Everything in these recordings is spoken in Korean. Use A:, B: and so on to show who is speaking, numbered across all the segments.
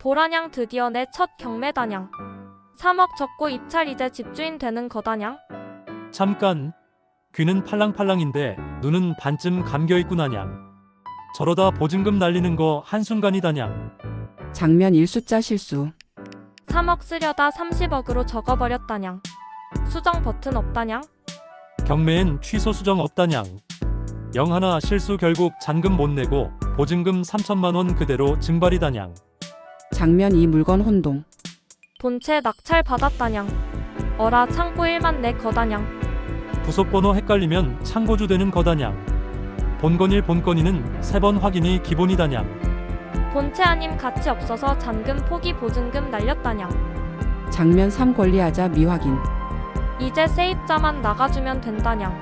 A: 보라냥 드디어 내 첫 경매다냥. 3억 적고 입찰 이제 집주인 되는 거다냥.
B: 잠깐. 귀는 팔랑팔랑인데 눈은 반쯤 감겨있구나냥. 저러다 보증금 날리는 거 한순간이다냥.
C: 장면 1숫자 실수.
A: 3억 쓰려다 30억으로 적어버렸다냥. 수정 버튼 없다냥.
B: 경매엔 취소 수정 없다냥. 영 하나 실수 결국 잔금 못 내고 보증금 3천만 원 그대로 증발이다냥.
C: 장면 2 물건 혼동.
A: 본체 낙찰 받았다냥. 어라 창고 1만 내 거다냥.
B: 부속번호 헷갈리면 창고주 되는 거다냥. 본건일 본건이는 3번 확인이 기본이다냥.
A: 본체 아님 가치 없어서 잔금 포기 보증금 날렸다냥.
C: 장면 3 권리하자 미확인.
A: 이제 세입자만 나가주면 된다냥.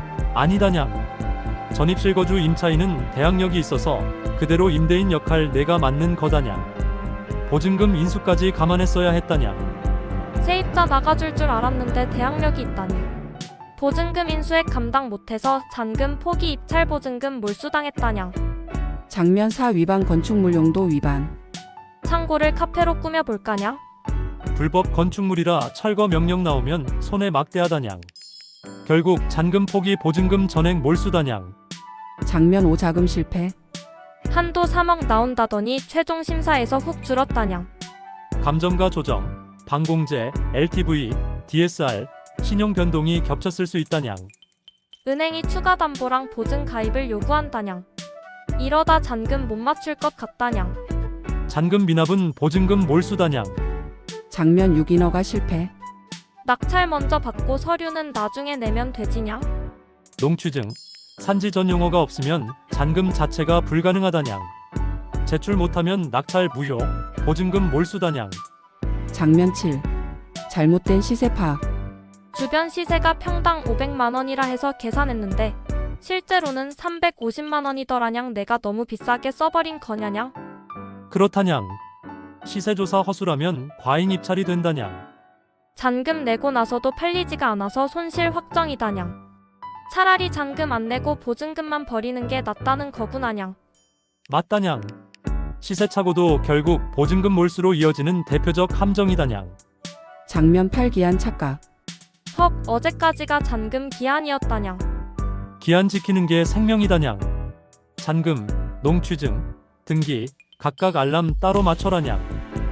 B: 아니다냥. 전입실거주 임차인은 대항력이 있어서 그대로 임대인 역할 내가 맡는 거다냥. 보증금 인수까지 감안했어야 했다냥.
A: 세입자 나가줄 줄 알았는데 대항력이 있다니. 보증금 인수액 감당 못해서 잔금 포기 입찰 보증금 몰수당했다냥.
C: 장면 4 위반 건축물 용도 위반.
A: 창고를 카페로 꾸며볼까냥.
B: 불법 건축물이라 철거 명령 나오면 손해 막대하다냥. 결국 잔금 포기 보증금 전액 몰수다냥.
C: 장면 5 자금 실패.
A: 한도 3억 나온다더니 최종 심사에서 훅 줄었다냥.
B: 감정가 조정, 방공제, LTV, DSR, 신용 변동이 겹쳤을 수 있다냥.
A: 은행이 추가 담보랑 보증 가입을 요구한다냥. 이러다 잔금 못 맞출 것 같다냥.
B: 잔금 미납은 보증금 몰수다냥.
C: 장면 6 인허가 실패.
A: 낙찰 먼저 받고 서류는 나중에 내면 되지냥.
B: 농취증, 산지 전 용어가 없으면 잔금 자체가 불가능하다냥. 제출 못하면 낙찰 무효, 보증금 몰수다냥.
C: 장면 7 잘못된 시세 파악.
A: 주변 시세가 평당 500만 원이라 해서 계산했는데 실제로는 350만 원이더라냥. 내가 너무 비싸게 써버린 거냐냥.
B: 그렇다냥. 시세조사 허술하면 과잉 입찰이 된다냥.
A: 잔금 내고 나서도 팔리지가 않아서 손실 확정이다냥. 차라리 잔금 안 내고 보증금만 버리는 게 낫다는 거구나냥.
B: 맞다냥. 시세착오도 결국 보증금 몰수로 이어지는 대표적 함정이다냥.
C: 장면 8 기한 착각.
A: 헉 어제까지가 잔금 기한이었다냥.
B: 기한 지키는 게 생명이다냥. 잔금, 농취증, 등기, 각각 알람 따로 맞춰라냥.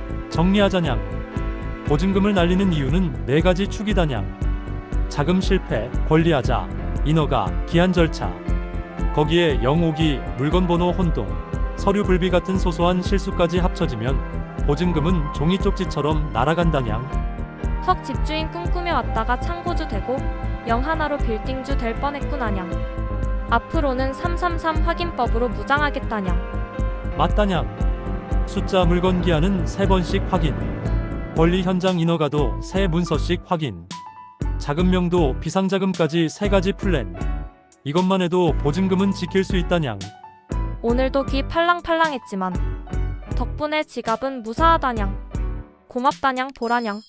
B: 정리하자냥. 보증금을 날리는 이유는 4가지 축이다냥. 자금 실패, 권리하자, 인허가, 기한 절차. 거기에 영오기, 물건번호 혼동, 서류 불비 같은 소소한 실수까지 합쳐지면 보증금은 종이 쪽지처럼 날아간다냥.
A: 헉 집주인 꿈꾸며 왔다가 창고주 되고 영 하나로 빌딩주 될 뻔했구나냥. 앞으로는 333 확인법으로 무장하겠다냥.
B: 맞다냥. 숫자 물건 기한은 3번씩 확인. 권리 현장 인허가도 3문서씩 확인. 자금명도 비상자금까지 3가지 플랜. 이것만 해도 보증금은 지킬 수 있다냥.
A: 오늘도 귀 팔랑팔랑했지만 덕분에 지갑은 무사하다냥. 고맙다냥 보라냥.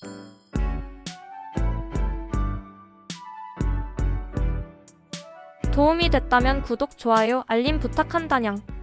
A: 도움이 됐다면 구독, 좋아요, 알림 부탁한다냥.